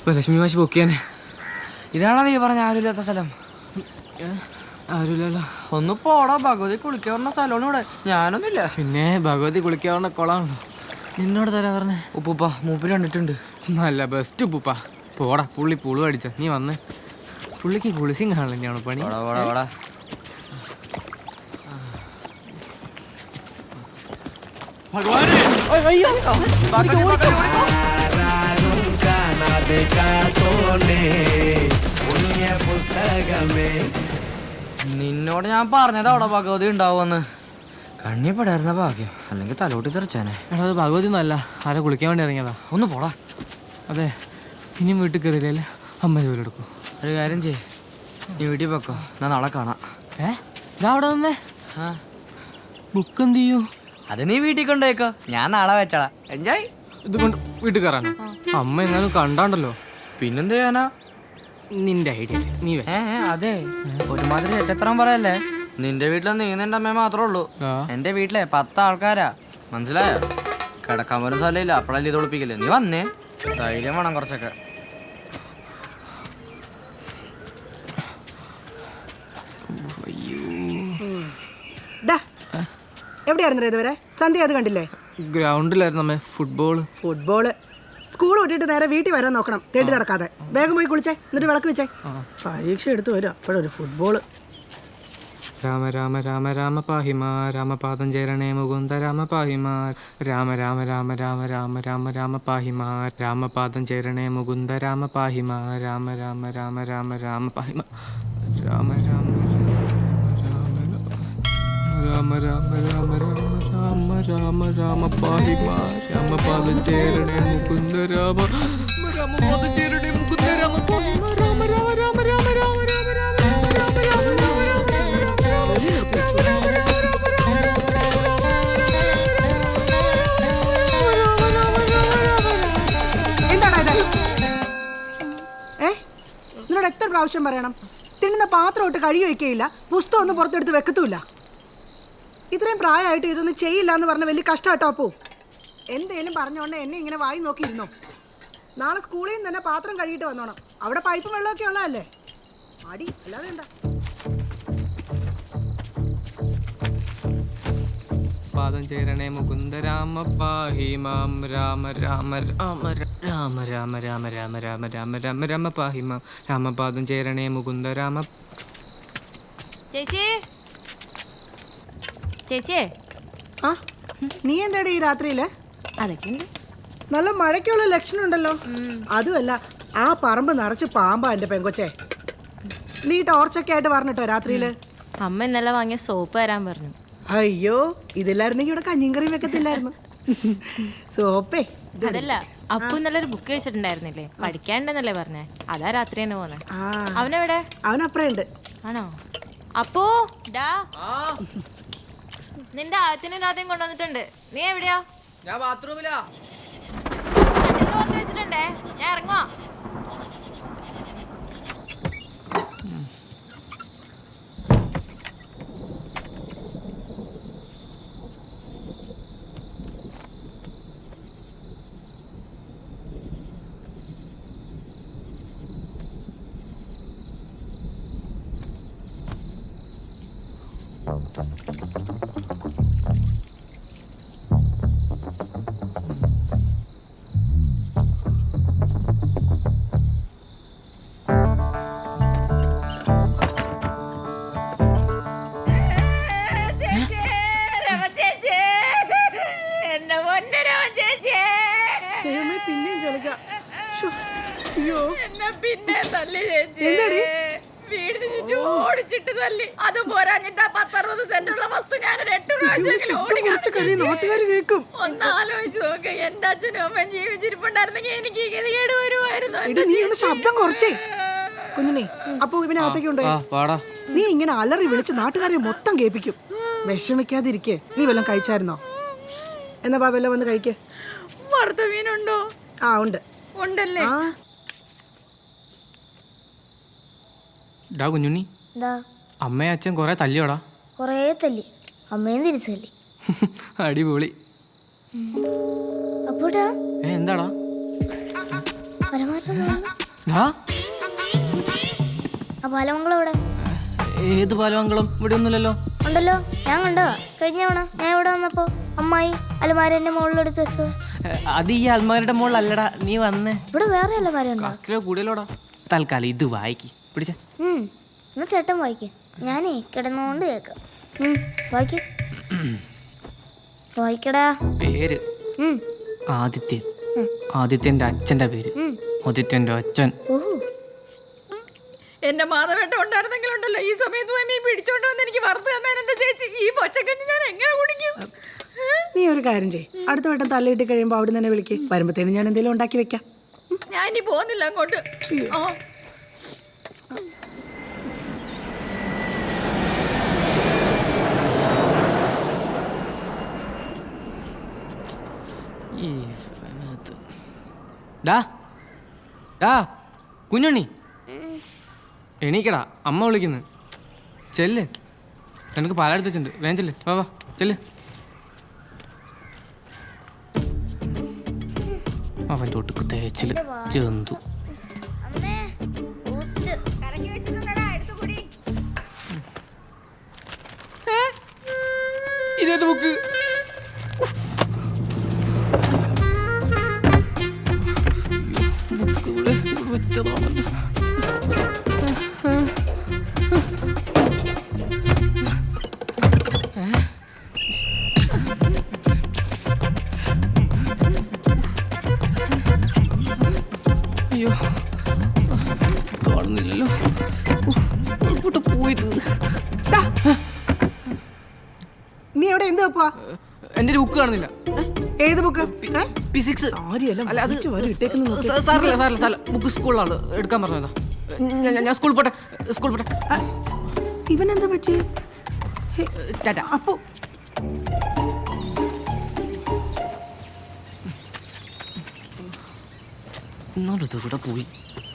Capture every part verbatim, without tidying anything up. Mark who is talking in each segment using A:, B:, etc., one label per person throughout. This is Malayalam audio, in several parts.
A: ലക്ഷ്മി മാഷി പൊക്കിയാനെ. ഇതാണോ നീ പറഞ്ഞ ആരുമില്ലാത്ത സ്ഥലം? ആരുമില്ലല്ലോ. ഒന്ന് പോടാ, ഭഗവതി കുളിക്കാവുന്ന സ്ഥലമാണ് ഇവിടെ. ഞാനൊന്നുമില്ല. പിന്നെ ഭഗവതി കുളിക്കാവുന്ന കുളമാണല്ലോ. നിന്നോട് തരാ പറഞ്ഞേ. ഉപ്പൂപ്പ മൂപ്പിൽ കണ്ടിട്ടുണ്ട്. നല്ല ബെസ്റ്റ് ഉപ്പൂപ്പ. പോടാ, പുള്ളി പുളു അടിച്ച. നീ വന്ന് പുള്ളിക്ക് കുളിച്ചും കാണില്ലാണ് പണി. പോടാ. നിന്നോട് ഞാൻ പറഞ്ഞത് അവിടെ ഭഗവതി ഉണ്ടാവുമെന്ന്. കണ്ണിപ്പെടായിരുന്ന ഭാഗ്യം, അല്ലെങ്കിൽ തലോട്ടി തെറിച്ചാനെ. എടാ അത് ഭഗവതി ഒന്നല്ല, ആരെ കുളിക്കാൻ വേണ്ടി ഇറങ്ങിയതാ. ഒന്ന് പോടാ. അതെ, ഇനിയും വീട്ടിൽ കയറിയില്ലേ അമ്മ ജോലി എടുക്കും. ഒരു കാര്യം ചെയ്യേ, നീ വീട്ടിൽ വെക്കോ, ഞാൻ നാളെ കാണാം. ഏ ഇതാ അവിടെ നിന്നേ. ആ ബുക്ക് എന്ത് ചെയ്യൂ? അത് നീ വീട്ടിൽ കൊണ്ടുപോയിക്കോ, ഞാൻ നാളെ വെച്ചോളാം. എൻജോയ്. ഇത് കൊണ്ട് വീട്ടിൽ കയറാനോ? അമ്മ എങ്ങാനും കണ്ടാണ്ടല്ലോ. പിന്നെന്ത് ചെയ്യാനാ? നിന്റെ ഐഡിയ നീ. ഏ അതെ, ഒരുമാതിരി എട്ടത്രം പറയല്ലേ. നിന്റെ വീട്ടിലെ നീ നിന്റെ അമ്മ മാത്രമേ ഉള്ളൂ. എന്റെ വീട്ടിലെ പത്ത് ആൾക്കാരാ, മനസ്സിലായോ? കിടക്കാൻ പോലും സ്ഥലമില്ല, അപ്പഴല്ലേ ഇത് ഒളിപ്പിക്കില്ലേ. നീ വന്നേ, ധൈര്യം വേണം കുറച്ചൊക്കെ.
B: എവിടെയായിരുന്നു ഇതുവരെ? സന്ധ്യ അത് കണ്ടില്ലേ?
A: ഗ്രൗണ്ടിലായിരുന്നു അമ്മേ. ഫുട്ബോള്
B: ഫുട്ബോള് സ്കൂൾ വിട്ടിട്ട് നേരെ വീട്ടിൽ വരാൻ നോക്കണം, തേടി നടക്കാതെ. വേഗം പോയി കുളിച്ചേ, എന്നിട്ട് വിളക്ക് വെച്ചേ. പരീക്ഷ എടുത്തു വരും, അപ്പോഴൊരു ഫുട്ബോള്.
A: രാമ രാമ രാമ രാമ പാഹിമാ രാമപാദം ചേരണേ മുകുന്ദ രാമ പാഹിമാ രാമ രാമ രാമ രാമ രാമ രാമ രാമ പാഹിമാ രാമപാദം ചേരണേ മുകുന്ദ രാമ പാഹിമാ രാമ രാമ രാമ രാമ രാമ പാഹിമാ രാമ രാമ രാമ രാമ രാമ രാമ രാമ രാമ പാഹിമാ രാമപാദം ചേരണേ മുകുന്ദ രാമ രാമപാദം ചേരണേ മുകുന്ദ രാമ പാഹിമാ രാമ രാമ രാമ രാമ രാമ രാമ രാമ
B: നിന്നോട് എത്ര പ്രാവശ്യം പറയണം? തിന്നുന്ന പാത്രം ഇട്ട് കഴുകി വെക്കുകയില്ല, പുസ്തകം ഒന്നും പുറത്തെടുത്ത് വെക്കത്തുമില്ല. ഇത്രയും പ്രായമായിട്ട് ഇതൊന്നും ചെയ്യില്ല എന്ന് പറഞ്ഞ വലിയ കഷ്ടാട്ടോ. അപ്പോ എന്തേലും പറഞ്ഞോണ്ട് എന്നെ ഇങ്ങനെ വായി നോക്കിയിരുന്നോ? നാളെ സ്കൂളിൽ നിന്ന് തന്നെ പാത്രം കഴുകിയിട്ട് വന്നോണം. അവിടെ പൈപ്പും വെള്ളമൊക്കെ ഉള്ളതല്ലേ. അടി അല്ലാതെ എന്താ?
A: പാദം ചേരണേ മുകുന്ദ രാമ പാഹിമാം രാമ രാമ രാമ രാമ രാമ രാമ രാമ രാമ രാമ രാമ രാമ പാഹിമാം രാമപാദം ചേരണേ മുകുന്ദ രാമ.
C: ചേച്ചി ചേച്ചിയെ
B: ആ നീ എന്താടി ഈ രാത്രിയില്?
C: അതൊക്കെ ഉണ്ട്.
B: നല്ല മഴയ്ക്കുള്ള ലക്ഷണം ഉണ്ടല്ലോ. അതുമല്ല, ആ പറമ്പ് നിറച്ച് പാമ്പാ എന്റെ പെങ്കൊച്ചേ. നീ ടോർച്ചൊക്കെ ആയിട്ട് പറഞ്ഞിട്ടോ രാത്രിയില്?
C: അമ്മ ഇന്നലെ വാങ്ങിയ സോപ്പ് തരാൻ പറഞ്ഞു.
B: അയ്യോ, ഇതില്ലായിരുന്നെങ്കിൽ ഇവിടെ കഞ്ഞിയും കറിയും വെക്കത്തില്ലായിരുന്നു. സോപ്പേ
C: അതല്ല, അപ്പു ഇന്നലെ ബുക്ക് വെച്ചിട്ടുണ്ടായിരുന്നില്ലേ, പഠിക്കാണ്ടെന്നല്ലേ പറഞ്ഞേ? അതാ രാത്രി തന്നെ പോന്നെ. അവനെവിടെ?
B: അവനപ്പുറേ ഉണ്ട്.
C: ആണോ? അപ്പോ ഡാ, നിന്റെ ആദ്യത്തിനും രാത്രിയും കൊണ്ടുവന്നിട്ടുണ്ട്. നീ എവിടെയാ?
A: ഞാൻ ബാത്റൂമിലാ.
C: വെച്ചിട്ടുണ്ടേ, ഞാൻ ഇറങ്ങുവാ.
D: പിന്നെ തല്ലി ചേച്ചി, വീടിന് ചുറ്റും ഓടിച്ചിട്ട് തല്ലി. അത് പോരാഞ്ഞിട്ട് പത്തറുപത് സെന്റുള്ള വസ്തു ഞാനൊരു എട്ട് പ്രാവശ്യം ഒന്ന് ആലോചിച്ച് നോക്ക്. എന്റെ അച്ഛനും അമ്മയും ജീവിച്ചിരിപ്പുണ്ടായിരുന്നെങ്കിൽ എനിക്ക് ഈ ഗതികേട് വരുമായിരുന്നു.
B: ശബ്ദം കുറച്ചേ കുഞ്ഞിനെ. അപ്പൊ ഇവനകത്തേക്ക് ഉണ്ടോ? നീ ഇങ്ങനെ അലറി വിളിച്ച് നാട്ടുകാരെ മൊത്തം കേൾപ്പിക്കും. വിഷമിക്കാതിരിക്കേ. നീ വല്ലതും കഴിച്ചായിരുന്നോ? എന്നാ ബാ വല്ലതും വന്ന് കഴിക്കേ.
D: വറുത്ത മീനുണ്ടോ?
B: ആ ഉണ്ട്.
D: ഉണ്ടല്ലേ?
A: ഡാ കുഞ്ഞുണ്ണി, അമ്മയും അച്ഛൻ കൊറേ തല്ലിയോടാ?
E: കൊറേ തല്ലി, അമ്മയും തിരിച്ചു തല്ലി.
A: അടിപൊളി.
E: അപ്പോടാ
A: എന്താടാ?
E: അലമാരയുടെ മുകളിൽ.
A: ഡാ,
E: ആ പാലമംഗളം എവിടെ?
A: ഏത് പാലമംഗളം? ഇവിടെ ഒന്നുമില്ലല്ലോ.
E: ഉണ്ടല്ലോ, ഞാൻ കണ്ടതാ കഴിഞ്ഞ തവണ ഞാൻ ഇവിടെ വന്നപ്പോ അമ്മായി അലമാരന്റെ മുകളിലെടുത്ത് വെച്ചത്.
A: അത് ഈ അൽമാരുടെ മുകളിലല്ലടാ, നീ വന്നേ.
E: ഇവിടെ വേറെ അലമാര ഉണ്ടോ?
A: കിലോ കൂടുതലോടാ. തൽക്കാലം ഇത് വായിക്ക്, പിടിച്ച.
E: ഉം എന്നാ ചേട്ടൻ വായിക്ക്, ഞാനേ കിടന്നുകൊണ്ട് കേൾക്കാം. ഉം വായിക്ക്, വായിക്കടാ.
A: പേര്
E: ഉം
A: ആദിത്യൻ. ആദിത്യന്റെ അച്ഛന്റെ പേര്
E: ഉം
A: ആദിത്യന്റെ അച്ഛൻ.
E: ഓഹോ,
D: എന്റെ മാധവേട്ട ഉണ്ടായിരുന്നെങ്കിലുണ്ടല്ലോ ഈ സമയത്ത് പോയി മീൻ പിടിച്ചോണ്ട് വന്ന് എനിക്ക് വറുത്ത് തന്നാൽ എന്റെ ചേച്ചി ഈ പച്ചക്കഞ്ഞി ഞാൻ എങ്ങനെ കുടിക്കും?
B: നീ ഒരു കാര്യം ചെയ്യ്, അടുത്ത വട്ടം തലയിട്ട് കഴിയുമ്പോൾ അവിടെ തന്നെ വിളിക്ക്. വരുമ്പത്തേനും ഞാൻ എന്തെങ്കിലും ഉണ്ടാക്കി വെക്കാം.
D: ഞാൻ ഇനി പോകുന്നില്ല അങ്ങോട്ട്. ആ
A: ഡാ ഡാ കുഞ്ഞുണ്ണി, എണീക്കടാ, അമ്മ വിളിക്കുന്നു. ചെല്ല്, നിനക്ക് പാലെടുത്ത് വെച്ചിട്ടുണ്ട്, വേഗം ചെല്ല്. വാ വാ ചെല്ല്. അവൻ തൊട്ടുക്ക് തേച്ചില് ചെന്തു.
E: അമ്മേ ബൂസ്റ്റ്.
D: കലക്കി വെച്ചിട്ടുണ്ടടാ, എടുത്തു കുടി.
A: ഇതേത് ബുക്ക്? വെച്ചതാണല്ലോ. അയ്യോ, കാണുന്നില്ലല്ലോ. എങ്ങോട്ട് പോയത്?
B: ടാ, നീ എവിടെ എന്ത് വെപ്പാ?
A: എന്റെ ഒരു ബുക്ക് കാണുന്നില്ല.
B: ഏത് ബുക്ക്?
A: ഫിസിക്സ്.
B: അല്ല അത് ഇട്ടേക്കുന്നു.
A: സാറില്ല സാറില്ല സാറില്ല, ബുക്ക് സ്കൂളിലാണ് എടുക്കാൻ പറഞ്ഞതാ. ഞാൻ- ഞാൻ സ്കൂളിൽ പോട്ടെ, സ്കൂളിൽ പോട്ടെ.
B: ഇവനെന്താ പറ്റി?
A: ടാറ്റ.
B: അപ്പോ
A: ഇന്നോട്ട് കൂടെ പോയി.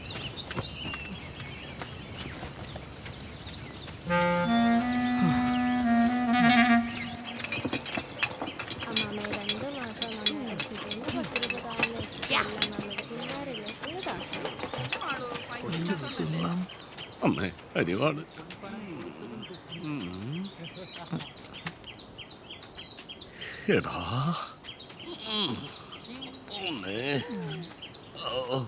F: അമ്മേ അരിവാണ്. എടാ അമ്മേ, ഓ.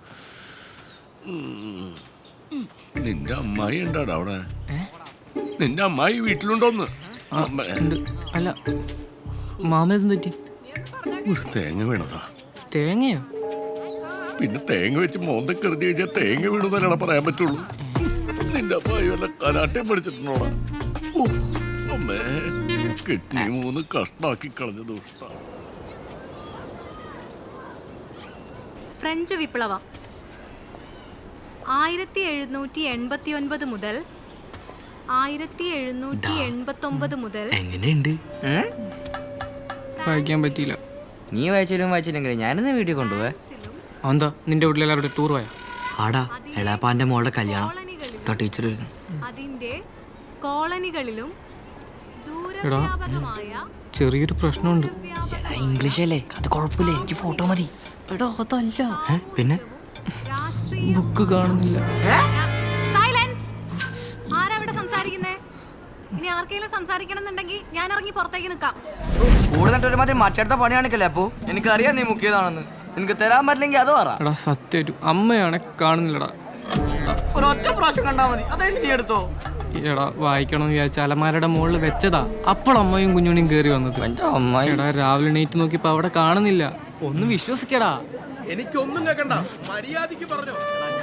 F: ഉം. നിന്റെ അമ്മായി ഉണ്ടാടാ അവിടെ? നിന്റെ അമ്മായി വീട്ടിലുണ്ടോന്ന്? അമ്മേ.
A: ഉണ്ട്. അല്ല, മാമനെന്ത് പറ്റി?
F: ഒരു തേങ്ങ വീണതാ.
A: തേങ്ങയോ?
F: പിന്നെ തേങ്ങ വെച്ച് മോന്തൊക്കെ എറിഞ്ഞു കഴിഞ്ഞാൽ തേങ്ങ വീണതല്ലാണ് പറയാൻ പറ്റുള്ളൂ. നിന്റെ അമ്മായി വല്ല കരാട്ടയും പഠിച്ചിട്ടുണ്ടോടാ? ഓ, അമ്മേ, കിഡ്നി മൂന്ന് കഷ്ടാക്കി കളഞ്ഞ ദുഷ്ട.
G: ഫ്രഞ്ച് വിപ്ലവം ആയിരത്തി എഴുന്നൂറ്റി എൺപത്തി ഒൻപത് മുതൽ ആയിരത്തി എഴുന്നൂറ്റി എൺപത്തി ഒമ്പത് മുതൽ.
A: എങ്ങനെയുണ്ട്? വായിക്കാൻ പറ്റിയില്ല.
H: നീ വായിച്ചാലും വായിച്ചില്ലെങ്കിലും ഞാനെന്നാ വീട്ടിൽ കൊണ്ടുപോവേ.
A: എന്താ നിന്റെ വീട്ടിലെല്ലാവരുടെ ടൂർ പോയാ?
H: ആടാ, എളാപ്പാന്റെ മോളുടെ കല്യാണം. ടീച്ചർ
G: അതിന്റെ കോളനികളിലും ദൂരവ്യാപകമായ
A: ചെറിയൊരു പ്രശ്നമുണ്ട്.
H: ഇംഗ്ലീഷ് അല്ലേ, അത് കുഴപ്പമില്ല, എനിക്ക് ഫോട്ടോ മതി.
A: എടാ അതല്ല.
H: പിന്നെ
G: രാഷ്ട്രീയ
A: ബുക്ക് കാണുന്നില്ല.
G: സൈലൻസ്. ആരാ ഇവിടെ സംസാരിക്കുന്നേ? ഇനി ആർക്കെങ്കിലും സംസാരിക്കണം എന്നുണ്ടെങ്കിൽ ഞാൻ ഇറങ്ങി പുറത്തേക്ക് നിൽക്കാം.
H: കൂടുതൽ ഒരുമാതിരി മറ്റടുത്ത പണി കാണിക്കല്ലേ. അപ്പോ എനിക്കറിയാം നീ മുക്കിയതാണെന്ന്. എനിക്ക് തരാൻ പറ്റില്ലെങ്കിൽ അത് പറ.
A: എടാ സത്യം അമ്മയാണെ കാണുന്നില്ലടാ.
H: ഒരൊറ്റ പ്രാവശ്യം കണ്ടാ മതി, അതായിട്ട് നീ എടുത്തോ.
A: എടാ വായിക്കണമെന്ന് വിചാരിച്ച അലമാരയുടെ മുകളിൽ വെച്ചതാ. അപ്പോൾ അമ്മയും കുഞ്ഞുണിയും കയറി വന്നത്. എടാ രാവിലെ എണീറ്റ് നോക്കിയപ്പോ അവിടെ കാണുന്നില്ല. ഒന്ന് വിശ്വസിക്കടാ.
I: എനിക്കൊന്നും കേക്കണ്ട, മര്യാദക്ക് പറഞ്ഞോ.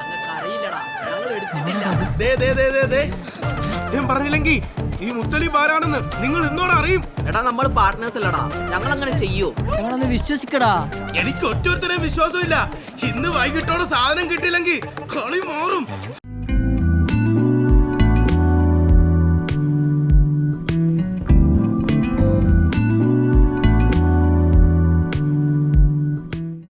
I: സത്യം പറഞ്ഞില്ലെങ്കിൽ ഈ മുത്തലിബ് ആരാണെന്ന് നിങ്ങൾ ഇന്നോട് അറിയും.
H: എടാ നമ്മൾ പാർട്ട്നേഴ്സ് അല്ലടാ, ഞങ്ങൾ അങ്ങനെ ചെയ്യൂ.
A: ഞങ്ങളൊന്ന് വിശ്വസിക്കടാ.
I: എനിക്ക് ഒറ്റൊരുത്തരെയും വിശ്വാസമില്ല. ഇന്ന് വൈകിട്ടോടെ സാധനം കിട്ടിയില്ലെങ്കിൽ കളി മാറും.